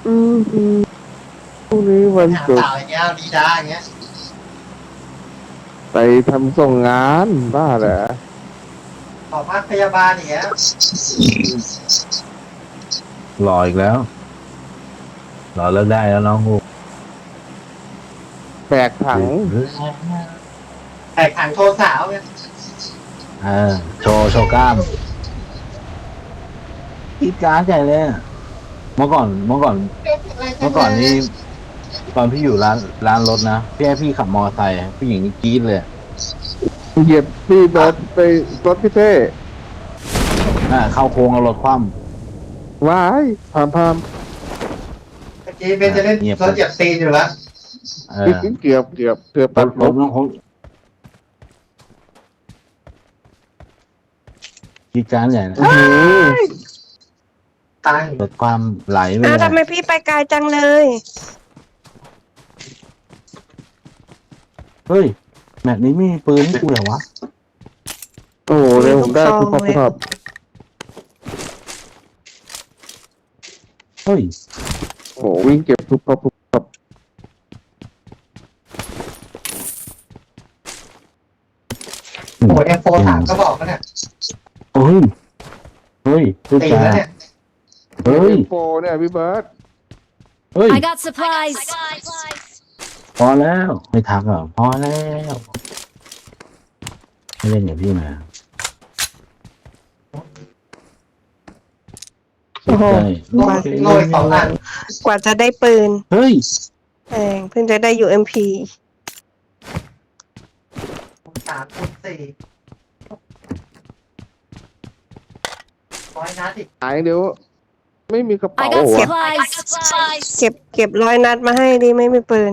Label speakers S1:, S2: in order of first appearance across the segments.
S1: อืมพรุ่งนี้
S2: ไป
S1: วันศุกร์
S2: หาสาวอย่างเงี้ยดีด้าอย่างเงี้ย
S1: ไปทำส่งงานบ้าเหรอ
S2: ขอพักพยาบาลอย่างเงี้ย
S3: รออีกแล้วรอเลิกได้แล้วน้องกู
S1: แบกถัง
S2: แต่ขังโทรสาวเนี่ย
S3: เออโชว์กล้ามกีดการ์ดใหญ่เลยอะเมื่อก่อนนี่ตอนพี่อยู่ร้านรถนะพี่ให้พี่ขับมอไซค์ผู้หญิงนี่กรี๊ดเลย
S1: เหยียบพี่เบิร์ดไปรถพี่เท่
S3: เข้าโค้งเอารถคว่
S1: ว้ายพาม
S2: เมื่อกี้เบนจะเล่น
S3: เงียบ
S2: รถเหยียบตีนอยู่แล้ว
S3: เออ
S1: เกือบ
S3: ร
S1: ตัดลบ
S3: ถต้องกีดการ์ดใหญ่นะ
S1: อือ
S2: ตาย
S3: ลดความไหลไป
S4: อ้าว
S3: เลย
S4: ทำไมพี่ไปไกลจังเลย
S3: เฮ้ยแมตช์นี้ไม่มีปืนให้กูเหรอวะ
S1: โอ้โหเดี๋ยวผมได้ทุกครับ
S3: เฮ้ย
S1: โอ้โหวิ่งเก็บทุกครับ
S2: โอ้เอ็มโฟถามก็บอกแล้วเนี่ย
S3: เฮ้ยพูด
S2: ตี
S3: จา
S2: แล้วเนี่ย
S3: เฮ้ย
S1: โปรเนี่ยพี่เบิร์ด
S3: เฮ้ย
S5: I got supplies.
S3: พอแล้วไม่ทักหรอพอแล้วไม่เล่นอย่างพี่มา
S4: โอ้โห
S2: โรยสองอัน
S4: กว่าจะได้ปืน
S3: เฮ้ย
S4: แพงเพิ่งจะได้ UMP
S2: 3 คูณ 4100 นัดอีก
S1: หายเดี๋ยวไม่มีกระเป๋า
S5: I got
S1: วะ
S5: supplies.
S4: เก็บ100 นัดมาให้ดีไม่มีปืน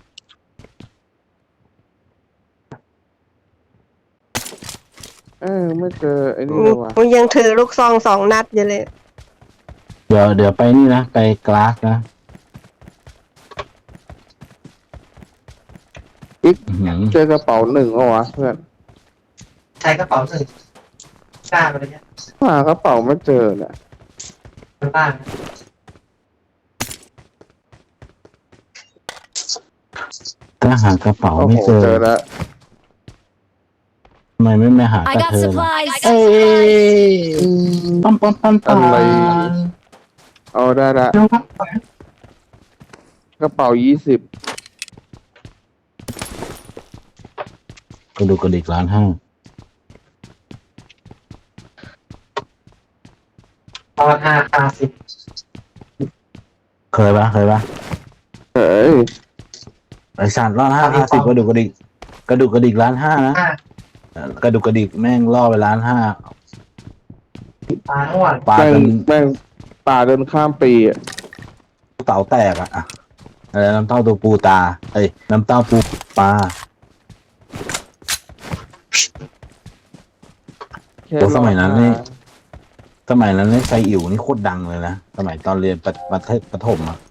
S1: ไม่เจอไอ้นี่เลยวะ
S4: มันยังถือลูกซอง2 นัดอยู่เลย
S3: เดี๋ยวไปนี่นะไปกลาสนะ
S1: อีก
S3: อื้อหือ
S1: เจอกระเป๋าหนึ่งเอาวะเพื่อน
S2: ใช้กระเป๋าหนึ่งกล้ามาเลยเนี่ย
S1: หากระเป๋าไม่เจอเนี่ย
S2: บ้านนะ
S3: ถ้าหากระเป๋า
S1: โอ้
S3: ไม่
S1: โห
S3: เจอ
S1: เจอแล้ว
S3: ทำไมไม่หาก
S5: I
S3: ระ
S5: got
S3: เธอล่ะ
S5: supplies.
S3: เอ้ยปั๊ม
S1: อะไร เอาได้ละกระเป๋า20
S3: กระดูกกระดิก1.5 ล้าน
S2: ตอน5 50
S3: เคยปะ
S1: เฮ้ย
S3: ไอสัตว์1.5 50กระดูกกระดิก1.5 ล้านนะ กระดูกกระดิกแม่งล่อไป1.5 ล้าน
S2: ปลาทั้งวัน
S3: ปลา
S1: แม่ง
S3: จน
S1: แม่งป่าเดินข้ามปีอ่ะ
S3: เต่าแตกอะอะไรน้ำเต้าตัวปูตาน้ำเต้าปูปลา
S1: แค่
S3: โอ้สมัยนั้นนี่
S1: รอ
S3: สมัยนั้นนี่ไซอิ๋วนี่โคตรดังเลยนะสมัยตอนเรียนประถมอะ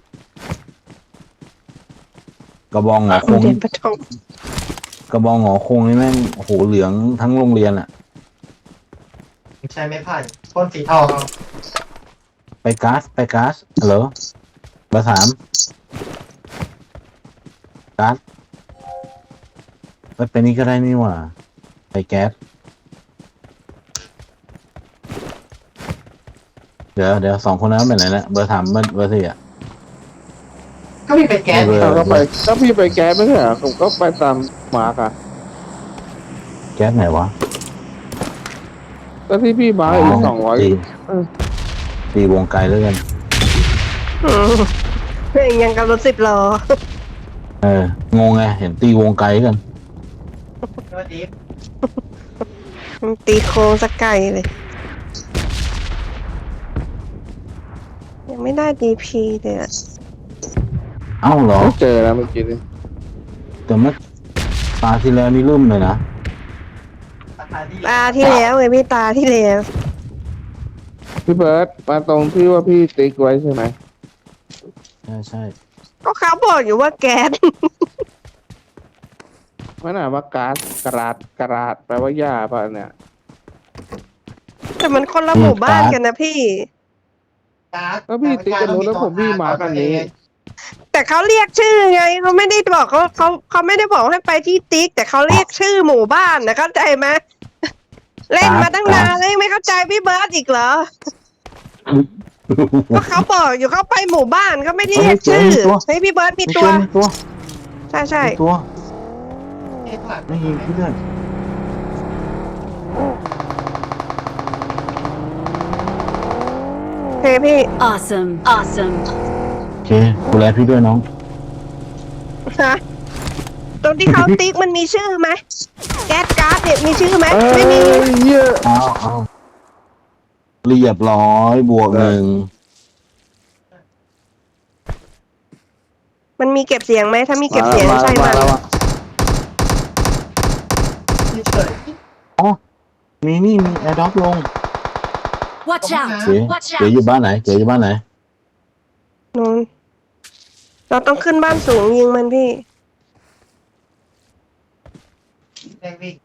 S3: กระบองหงอคง
S4: เรียนประถม
S3: กระบองหงอคงนี่แม่งโอ้โหเหลืองทั้งโรงเรียนอะ
S2: ใช้ไม้ไผ่พ่นสีทองเอา
S3: ไปก๊าซฮัลโหลเบอร์ 3ก๊าซไปนี่ก็ได้นี่หว่าไปแก๊สเดี๋ยว2 คนนั้นเป็นไหนนะเบอร์ 3เบอร์ 4อะ
S2: ก็มีเป็นแก๊ส
S3: เออ
S1: เอาก็พี่ไปแก๊สไม่ใช่เหรอผมก็ไปตามมาร์กอ่ะ
S3: แก๊สไหนวะ
S1: ก็ที่พี่มาร์กอีก200
S3: ตีวงไกลแล้วกัน
S4: อืมเพื่อนยังกับรถ10 ล้อง
S3: งไงเห็นตีวงไกลกัน
S2: สวัสดี
S4: ตีโค้งสักไกลเลย ยังไม่ได้ DP เลยอะ
S3: เอ้าเหรอ
S1: ไม่เจอแล้วเมื่อกี้นี่
S3: แต่เมื่อตาที่แล้วนี่ลืมเลยนะ
S2: ราคาดี
S4: ตาที่แล้วไงพี่ตาที่แล้ว
S1: พี่เบิร์ดมาตรงที่ว่าพี่ติ๊กไว้ใช่ไหม
S3: ใช่
S4: ก็เขาบอกอยู่ว่าแก๊ส
S1: มันอ่านว่าก๊าซกระดาษแปลว่าหญ้าป่ะเนี่ย
S4: แต่มันคนละหมู่บ้านกันนะพี่
S2: การ์ด
S1: แล้วพี่ติ๊กกันนู้นแล้วผมพี่มากันนี้
S4: แต่เขาเรียกชื่อไงเขาไม่ได้บอกเขาไม่ได้บอกให้ไปที่ติ๊ก แต่เขาเรียกชื่อหมู่บ้านนะเข้าใจไหมเล่นมาตั้งนานแล้วยังไม่เข้าใจพี่เบิร์ดอีกเหรอก็เขาบอกอยู่เขาไปหมู่บ้านเขาไม่ได้เรียกชื่อเฮ้ยพี่เบิร์ดมีตัว
S3: มีตัว
S4: ใช่ใช่
S3: มีตัว
S2: เอ๊ะผ่าน
S3: ไม่ยิงเพื่อน
S4: โอเคพี่
S5: Awesome. Awesome.
S3: โอเคดูแลพี่ด้วยน้อง
S4: ฮะตรงที่เขาติ๊กมันมีชื่อไหมแก๊สการ์ดเนี่ยมีชื่อไหม
S1: เอ้
S4: ไม่มี
S1: ยเหี้ย
S3: เอาเรียบร้อยบวกหนึ่ง
S4: มันมีเก็บเสียงไหมถ้ามีเก็บเสียงใช่
S1: มา
S4: มัน
S1: แล้วอะ
S2: เฉย
S3: อ๋อมีนี่มีแอร์ดรอปลง
S5: Watch out.
S3: เก๋
S5: Watch
S3: เก๋
S5: out.
S3: อยู่บ้านไหนเก๋อยู่บ้านไหน
S4: นู้นเราต้องขึ้นบ้านสูงยิงมันพี่
S2: แรงวิ่ง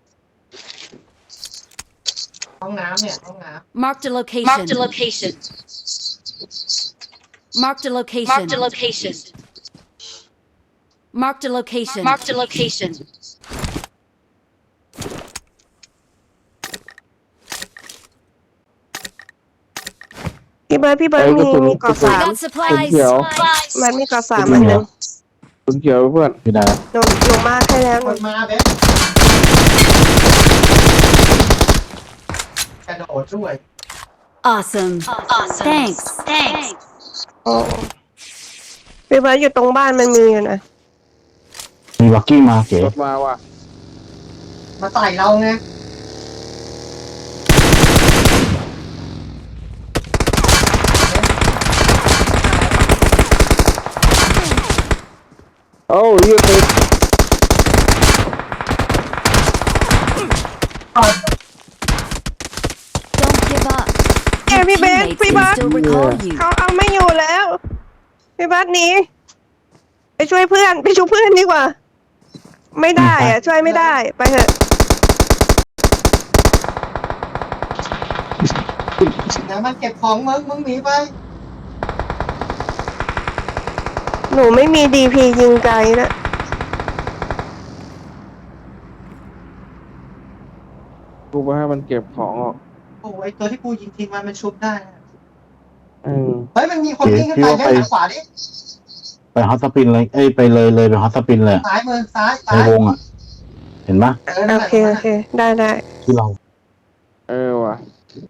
S2: ห้องน้ำเนี่ยห้องน้
S5: Marked a location. Marked a location. Marked a location. Marked a location. Marked a location. Marked a location.
S4: พี่เบิร์ดพี่เบิร์ด
S1: ไอ้กระสุน
S4: มีเกาะ
S5: I
S4: สาม
S5: got supplies.
S1: Thank you.
S4: มันมีเกาะสามอันหนึ่ง
S1: คุณเขียวเพื่อน
S3: พี่ดา
S4: หนูมาให้แล้ว
S2: ำ
S4: ห
S2: ค
S4: นู
S2: นมาเบ๊กระโดดช่วย
S5: Awesome. Awesome. Thanks. Thanks.
S4: โอ้พี่เบิร์ดอยู่ตรงบ้านมันมีอยู่นะ
S3: มีบักกี้มาเก๋
S1: รถมาว่ะ
S2: มาใส่เราไง
S1: โอ้ยเหี้ยติด
S5: Don't give up.
S4: แกพี่เบส
S5: Teammates
S4: พี่เบิร์
S5: can
S4: ด
S5: still recall you.
S4: เขาเอาไม่อยู่แล้ว พี่เบิร์ดหนีไปช่วยเพื่อนไปช่วยเพื่อนดีกว่า ไม่ได้อะช่วยไม่ได้ไปเถอะ
S2: เดี๋ยวมันเก็บของมึงหนีไป
S4: หนูไม่มีดีพียิงไกลนะ
S1: กูไปให้มันเก็บของออก
S2: โอ้ไอตัวที่กูยิงทิ้งมันชุบได้นะ
S1: เออ
S2: เฮ้ยมันมีคนวิ่งขึ้นไปด้านขวาดิ
S3: ไปฮอตสปินเลยเอ้ยไปเลยไปฮอตสปินเลย
S2: ซ้ายมือซ้าย
S3: ใน
S2: ซ้ายว
S3: งอ่ะ เห็นปะ
S4: โอเคโอเคได้ได้
S3: ที่เรา
S1: เออว่ะ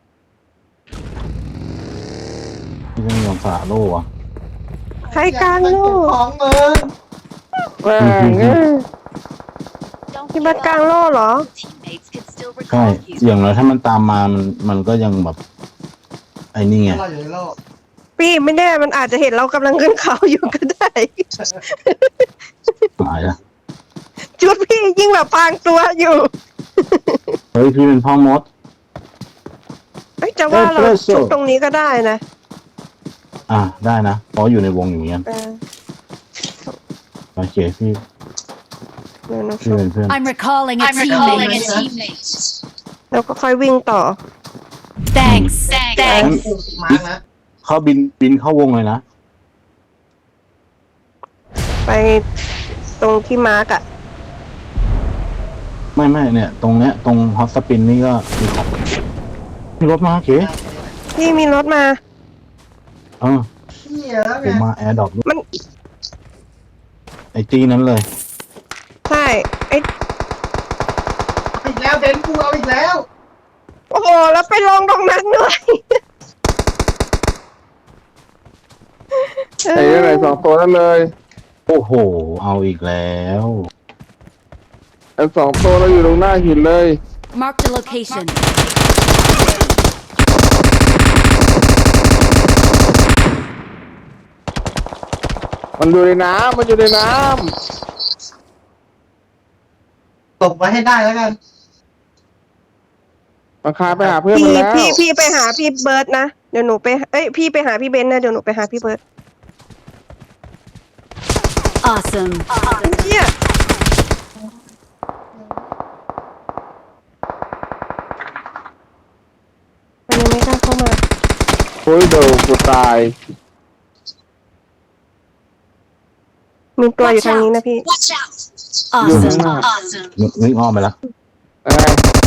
S3: ที่ไม่ยอมสละโล่อะ
S4: ใครกลาง
S2: มัน
S4: โล
S2: เก็บ
S4: ก
S2: ของมึง
S1: แม่งเอ้ย
S5: Don't
S4: พี่
S5: give
S4: เบิร์ดกลาง
S5: up.
S4: โลกเหรอ
S5: Teammates can still
S3: ใช่
S5: recall you.
S3: อย่างน้อยถ้ามันตามมามันก็ยังแบบ ไอ้นี่ไง
S2: เราอยู่ในโลก
S4: พี่ไม่แน่มันอาจจะเห็นเรากำลังขึ้นเขาอยู่ก็ได้
S3: หายละ
S4: จุดพี่ยิ่งแบบพรางตัวอยู่
S3: เฮ้ยพี่เป็นพ่อมด
S4: เอ้ยจะว่าเรา
S3: เอสเปรสโซ่
S4: ชุบตรงนี้ก็ได้นะ
S3: อ่ะได้นะเพราะอยู่ในวงอย่างเงี้ย
S4: เออ
S3: โอเคพี่
S4: เดี๋ยวหนู
S3: พี่
S4: ชุบ
S3: เป็นเพื่อน
S5: I'm recalling a teammate.
S4: แล้วก็ค่อยวิ่งต่อ
S5: Thanks. Thanks.
S2: มาร์กนะ
S3: เขาบินเข้าวงเลยนะ
S4: ไปตรงที่มาร์กอะ
S3: ไม่เนี่ย ตรงเนี้ยตรงฮอตสปินนี่ก็มีของมีรถมาโอเค
S4: พี่มีรถมา
S3: เออ
S2: เหี้ยแล้ว
S3: ผ
S2: ไง
S3: มมาแอร์ดรอป
S4: มัน
S3: ไอจีนั้นเลย
S4: ใช่ไอ้
S2: อีกแล้วเบนกูเอาอีกแล้ว
S4: โอ้โหแล้วไปลงตรงนั้นด้วย
S1: ไอ้อะไรสองตัวนั่นเลย
S3: โอ้โห เอาอีกแล้ว
S1: ไอ้สองตัวเราอยู่ตรงหน้าหินเลย
S5: Marked a location.
S1: มันอยู่ในน้ำมันอยู่ในน้
S2: ตบไว้ให้ได้แล้วกัน
S1: ำมันคาไปหาเพื่อนมันแล้ว
S4: พี่ไปหาพี่เบิร์ดนะเดี๋ยวหนูไปพี่ไปหาพี่เบนซ์นะเดี๋ยวหนูไปหาพี่เบิร์ด
S5: Awesome.
S4: เชี่ยมันยังไม่กล้าเข้ามา
S1: โอ้ยเดี๋ยวกูตาย
S4: มีตัวอยู่ทางนี้นะพี่
S5: Watch out!
S1: อยู่ข้าง
S5: Awesome.
S1: หน้า
S5: Awesome.
S3: วิ่งอ้อมไปแล้ว
S1: อะไร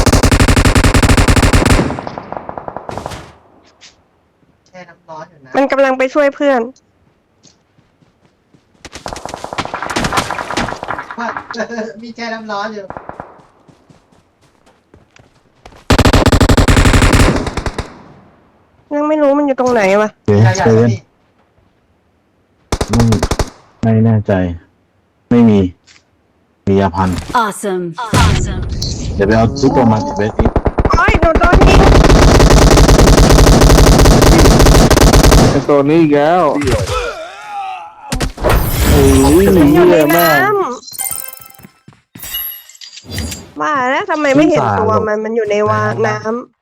S2: แช่น้ำร้อนอยู่นะ
S4: มันกำลังไปช่วยเพื่อน
S2: มีแช่น้ำร้อนอยู่
S4: ยังไม่รู้มันอยู่ตรงไหนวะ
S3: เฮ้ย
S2: ใหญ่
S3: เซ
S2: ๆ
S3: เว่น
S2: พี่
S3: ไม่แน่ใจ ไม่มี มียาพัน
S5: Awesome. Awesome.
S3: เดี๋ยวไปเอาซุปเปอร์มาร์เก็ตเวส
S4: โอ้ยหนูโดนยิง
S1: ไอตัวนี้อีกแล้วโอ้ย
S4: มันอยู่
S1: เหี้
S4: ใน
S1: ยแม่
S4: น้
S1: ง
S4: ำว่าแล้วทำไมไม่เห็นตัวมันอยู่ในวาน้ำ